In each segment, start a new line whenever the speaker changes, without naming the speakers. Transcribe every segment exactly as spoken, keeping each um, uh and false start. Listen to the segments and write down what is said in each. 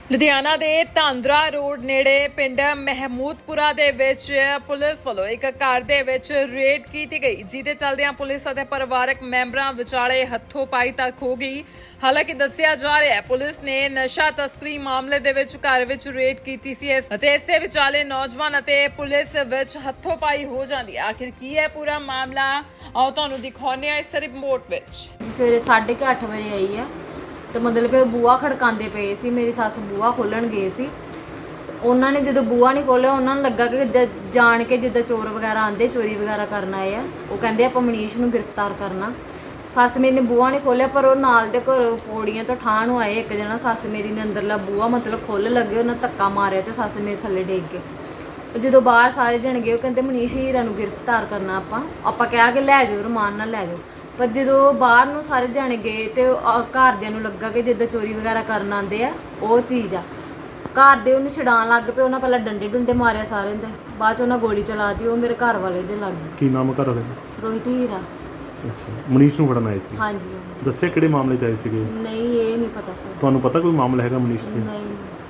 ਲੁਧਿਆਣਾ ਦੇ ਧਾਂਦਰਾ ਰੋਡ ਨੇੜੇ ਪਿੰਡ ਮਹਿਮੂਦਪੁਰਾ ਦੇ ਵਿੱਚ ਪੁਲਿਸ ਵੱਲੋਂ ਇੱਕ ਘਰ ਦੇ ਵਿੱਚ ਰੇਡ ਕੀਤੀ ਗਈ, ਜਿਹਦੇ ਚੱਲਦਿਆਂ ਪੁਲਿਸ ਅਤੇ ਪਰਿਵਾਰਕ ਮੈਂਬਰਾਂ ਵਿਚਾਲੇ ਹੱਥੋਂ ਪਾਈ ਤੱਕ ਹੋ ਗਈ। ਹਾਲਾਂਕਿ ਦੱਸਿਆ ਜਾ ਰਿਹਾ ਹੈ ਪੁਲਿਸ ਨੇ ਨਸ਼ਾ ਤਸਕਰੀ ਮਾਮਲੇ ਦੇ ਵਿੱਚ ਘਰ ਵਿੱਚ ਰੇਡ ਕੀਤੀ ਸੀ ਅਤੇ ਇਸੇ ਵਿਚਾਲੇ ਨੌਜਵਾਨ ਅਤੇ ਪੁਲਿਸ ਵਿੱਚ ਹੱਥੋਂ ਪਾਈ ਹੋ ਜਾਂਦੀ ਹੈ। ਆਖਿਰ ਕੀ ਹੈ ਪੂਰਾ ਮਾਮਲਾ, ਆਓ ਤੁਹਾਨੂੰ ਦਿਖਾਉਂਦੇ ਹਾਂ ਇਸ ਰਿਪੋਰਟ ਵਿੱਚ।
ਸਵੇਰੇ ਸਾਢੇ ਕੁ ਅੱਠ ਵਜੇ ਆਈ ਹੈ ਤੇ ਮਤਲਬ ਕਿ ਬੂਹਾ ਖੜਕਾਉਂਦੇ ਪਏ ਸੀ। ਮੇਰੀ ਸੱਸ ਬੂਹਾ ਖੋਲਣ ਗਏ ਸੀ, ਉਹਨਾਂ ਨੇ ਜਦੋਂ ਬੂਹਾ ਨਹੀਂ ਖੋਲ੍ਹਿਆ ਉਹਨਾਂ ਨੂੰ ਲੱਗਾ ਕਿ ਜਿੱਦਾਂ ਜਾਣ ਕੇ ਜਿੱਦਾਂ ਚੋਰ ਵਗੈਰਾ ਆਉਂਦੇ ਚੋਰੀ ਵਗੈਰਾ ਕਰਨ ਆਏ ਆ। ਉਹ ਕਹਿੰਦੇ ਆਪਾਂ ਮਨੀਸ਼ ਨੂੰ ਗ੍ਰਿਫਤਾਰ ਕਰਨਾ। ਸੱਸ ਮੇਰੀ ਨੇ ਬੂਹਾ ਨਹੀਂ ਖੋਲ੍ਹਿਆ, ਪਰ ਉਹ ਨਾਲ ਦੇ ਘਰੋਂ ਪੌੜੀਆਂ ਤੋਂ ਠਾਹ ਨੂੰ ਆਏ ਇੱਕ ਜਣਾ। ਸੱਸ ਮੇਰੀ ਨੇ ਅੰਦਰਲਾ ਬੂਹਾ ਮਤਲਬ ਖੋਲ੍ਹ ਲੱਗੇ, ਉਹਨਾਂ ਧੱਕਾ ਮਾਰਿਆ ਤੇ ਸੱਸ ਮੇਰੇ ਥੱਲੇ ਡਿੱਗ ਗਏ। ਜਦੋਂ ਬਾਹਰ ਸਾਰੇ ਜਣ ਗਏ ਉਹ ਕਹਿੰਦੇ ਮਨੀਸ਼ ਹੀਰਾ ਨੂੰ ਗ੍ਰਿਫਤਾਰ ਕਰਨਾ ਆਪਾਂ ਆਪਾਂ ਕਿਹਾ ਕਿ ਲੈ ਜਾਓ, ਰਮਾਨ ਨਾਲ ਲੈ ਜਾਓ। ਪਰ ਜਦੋਂ ਬਾਹਰ ਨੂੰ ਸਾਰੇ ਜਾਣੇ ਗਏ ਤੇ ਘਰਦਿਆਂ ਨੂੰ ਲੱਗਾ ਕਿ ਜਿੱਦਾਂ ਚੋਰੀ ਵਗੈਰਾ ਕਰਨ ਆਉਂਦੇ ਆ ਉਹ ਚੀਜ਼ ਆ। ਘਰ ਦੇ ਉਹਨੂੰ ਛਡਾਉਣ ਲੱਗ ਪਏ। ਉਹਨਾਂ ਪਹਿਲਾਂ ਡੰਡੇ ਡੁੰਡੇ ਮਾਰਿਆ ਸਾਰਿਆਂ ਦੇ, ਬਾਅਦ 'ਚ ਉਹਨਾਂ ਗੋਲੀ ਚਲਾਤੀ। ਉਹ ਮੇਰੇ ਘਰ ਵਾਲੇ ਦੇ ਲੱਗ ਗਈ।
ਕੀ ਨਾਮ ਹੈ ਘਰ ਵਾਲੇ ਦਾ?
ਰੋਹਿਤ ਹੀਰਾ।
ਅੱਛਾ, ਮਨੀਸ਼ ਨੂੰ ਫੜਨ ਆਏ ਸੀ?
ਹਾਂਜੀ ਹਾਂਜੀ।
ਦੱਸਿਆ ਕਿਹੜੇ ਮਾਮਲੇ 'ਚ ਆਏ ਸੀਗੇ?
ਨਹੀਂ ਇਹ ਨਹੀਂ ਪਤਾ ਸਰ।
ਤੁਹਾਨੂੰ ਪਤਾ ਕੋਈ ਮਾਮਲਾ ਹੈਗਾ ਮਨੀਸ਼ ਤੇ?
ਨਹੀਂ,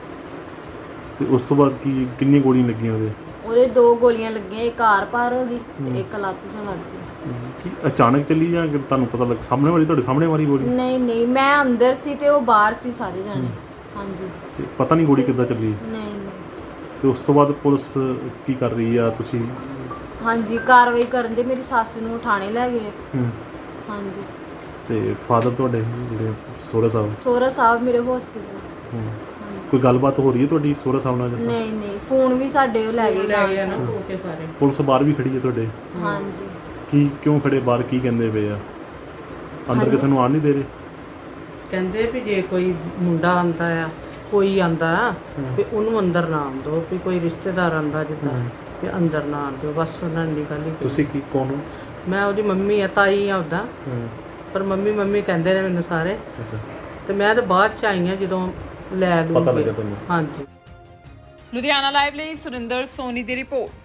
ਤੇ ਉਸ ਤੋਂ ਬਾਅਦ ਕੀ ਕਿੰਨੀਆਂ ਗੋਲੀਆਂ ਲੱਗੀਆਂ ਉਹਦੇ?
ਉਹਦੇ ਦੋ ਗੋਲੀਆਂ ਲੱਗੀਆਂ, ਇੱਕ ਆਰ ਪਾਰ ਹੋ ਗਈ ਤੇ ਇੱਕ ਲੱਤ 'ਚ ਲੱਗ ਗਈ।
ਕੀ ਅਚਾਨਕ ਚੱਲੀ ਜਾਂ ਕਿ ਤੁਹਾਨੂੰ ਪਤਾ ਲੱਗ ਸਾਹਮਣੇ ਵਾਲੀ ਤੁਹਾਡੇ ਸਾਹਮਣੇ ਵਾਲੀ ਗੋਲੀ?
ਨਹੀਂ ਨਹੀਂ, ਮੈਂ ਅੰਦਰ ਸੀ ਤੇ ਉਹ ਬਾਹਰ ਸੀ ਸਾਰੇ ਜਾਣੇ। ਹਾਂਜੀ।
ਤੇ ਪਤਾ ਨਹੀਂ ਗੋਲੀ ਕਿੱਦਾਂ ਚੱਲੀ?
ਨਹੀਂ ਨਹੀਂ।
ਤੇ ਉਸ ਤੋਂ ਬਾਅਦ ਪੁਲਿਸ ਕੀ ਕਰ ਰਹੀ ਆ? ਤੁਸੀਂ
ਹਾਂਜੀ ਕਾਰਵਾਈ ਕਰਨ ਦੇ। ਮੇਰੀ ਸੱਸ ਨੂੰ ਥਾਣੇ ਲੈ ਗਏ।
ਹੂੰ।
ਹਾਂਜੀ।
ਤੇ ਫਾਦਰ ਤੁਹਾਡੇ ਜਿਹੜੇ ਸੋਹਰਾ ਸਾਹਿਬ?
ਸੋਹਰਾ ਸਾਹਿਬ ਮੇਰੇ ਹਸਪੀਟਲ।
ਹੂੰ। ਕੋਈ ਗੱਲਬਾਤ ਹੋ ਰਹੀ ਹੈ ਤੁਹਾਡੀ ਸੋਹਰਾ ਸਾਹਿਬ ਨਾਲ?
ਨਹੀਂ ਨਹੀਂ, ਫੋਨ ਵੀ ਸਾਡੇ ਉਹ ਲੈ ਗਏ ਨਾਲ।
ਪੁਲਿਸ ਬਾਹਰ ਵੀ ਖੜੀ ਹੈ ਤੁਹਾਡੇ?
ਹਾਂਜੀ।
ਕੀ ਕਿਉਂ ਖੜੇ ਬਾਹਰ? ਕੀ ਕਹਿੰਦੇ ਪਏ ਆ? ਅੰਦਰ ਕਿਸੇ ਨੂੰ ਆਉਣ ਨਹੀਂ ਦੇ ਰਹੇ?
ਕਹਿੰਦੇ ਵੀ ਜੇ ਕੋਈ ਮੁੰਡਾ ਆਂਦਾ ਆ, ਕੋਈ ਆਂਦਾ ਵੀ ਉਹਨੂੰ ਅੰਦਰ ਨਾ ਆਉਣ ਦਿਓ, ਵੀ ਕੋਈ ਰਿਸ਼ਤੇਦਾਰ ਆਂਦਾ ਜਿੱਦਾਂ ਵੀ ਅੰਦਰ ਨਾ ਆਉਣ ਦਿਓ। ਬਸ ਉਹਨਾਂ ਨੇ ਗੱਲ ਹੀ।
ਤੁਸੀਂ ਕੀ ਕੌਣ ਹੋ?
ਮੈਂ ਉਹਦੀ ਮੰਮੀ ਆ, ਤਾਈ ਆ ਉਹਦਾ। ਪਰ ਮੰਮੀ ਮੰਮੀ ਕਹਿੰਦੇ ਨੇ ਮੈਨੂੰ ਸਾਰੇ।
ਅੱਛਾ।
ਤੇ ਮੈਂ ਤਾਂ ਬਾਅਦ ਚ ਆਈ ਆ ਜਦੋਂ ਲੈ ਲੂ
ਪਤਾ ਲੱਗਾ ਤੁਹਾਨੂੰ?
ਹਾਂਜੀ।
ਲੁਧਿਆਣਾ ਲਾਈਵ ਲਈ ਸੁਰਿੰਦਰ ਸੋਨੀ ਦੀ ਰਿਪੋਰਟ।